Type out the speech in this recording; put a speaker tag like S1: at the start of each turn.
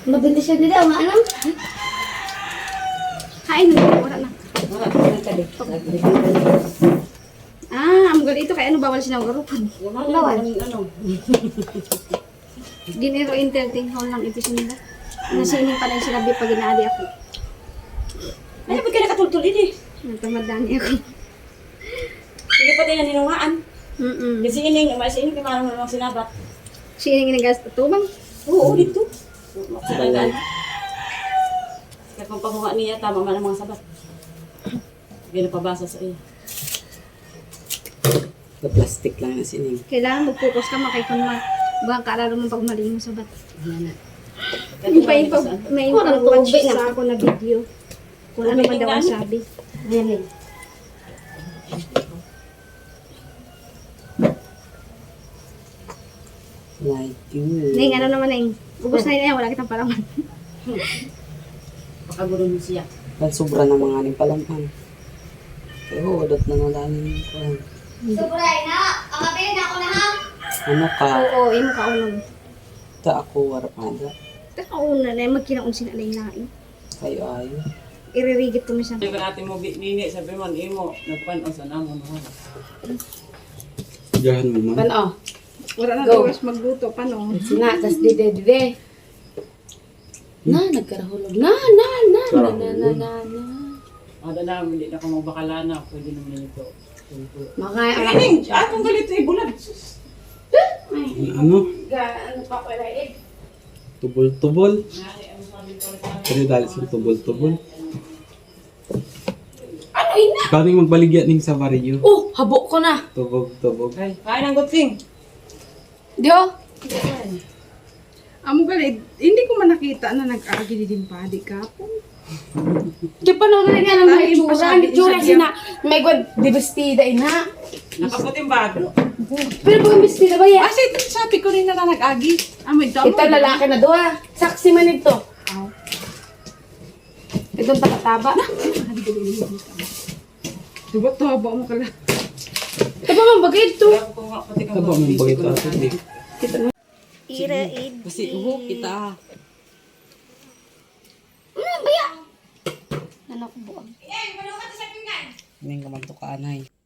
S1: Mabinti siya nila, ano?
S2: Hain na, wala na.
S1: Wala, nagkali.
S2: Ang gali ito, kaya ano bawal siya garupon.
S1: Bawal.
S2: Ginero entertain hall lang ito nila. Nasining pa lang sinabi pag inaali ako.
S1: Ano ba ka nakatultulin eh?
S2: Nagtamadani ako.
S1: Sige pa tayo na ninungaan.
S2: Mm-mm.
S1: Kasi ining, masining kay marang namang sinabat.
S2: Sining inagas tumang.
S1: Oo, dito. Maksilagan. Kaya kung pamunga niya, tama man ang mga sabat. Hindi na pabasa sa iya.
S3: The plastic lang na sining.
S2: Kailangan mag-focus ka makay kung baka kaalala mo pag mali mo sabat. May watch sa ako na video. Kung ano man daw ang sabi.
S1: Ayan.
S3: Like you.
S2: Ning, ano naman Ning? Ubus na yun, wala kitang palaman.
S1: Pakagulo mo siya.
S3: Dahil sobra na mga aning palamhan. Kaya udot na nalanin ko.
S1: Sobray na! Ang mabilin na ako na ha!
S3: Ano ka?
S2: Oo, imo kaunon.
S3: Ta ako warpada.
S2: Kaunan na, magkinaon sila lain-lain.
S3: Kayo ayo.
S2: Iririgit ko siya.
S4: Hindi ka natin mo nini, sabi man, imo, nagpanon sa namon.
S3: Diyan mo man.
S1: Pano?
S2: Wala na
S1: Go.
S2: oras magluto, paano?
S1: Sina, tas dide. Na, nagkarahulog. Na.
S4: Ada na, hindi na ka mabakalana, pwede naman ito.
S1: Makaya,
S4: Ining, atong galito ibulag.
S3: Ano?
S1: ano pa pala eh?
S3: Tubol-tubol. Kaya dali sa tubol-tubol.
S1: Ano ina?
S3: Ikaw rin magbaligya ning sa Vario.
S1: Oh, habok ko na.
S3: Tubog-tubog.
S4: Ay, kain ang gutsing.
S1: Dio?
S2: Amo galit, hindi ko man nakita na nag-agi din pa, di kapon.
S1: Di pa nung rin nga ng
S2: Tayo
S1: itsura.
S2: pa
S1: Ang itsura
S2: sabi-
S1: sina. May god, di vestida ina.
S4: Nakaputing bago.
S1: Pero kung vestida ba yan?
S2: Kasi sabi ko rin na nag-agi. Amoy damo.
S1: Ito lalaki na doha. Saksi man ito. Itong takataba.
S2: Diba to, haba mo kala.
S1: Ito pa man bagay ito.
S3: Taba mong bagay ito atin eh.
S2: Iraid.
S3: Kasi uho kita.
S1: Ano ba yan? Anak buang.
S3: Ning kaman to kaanay.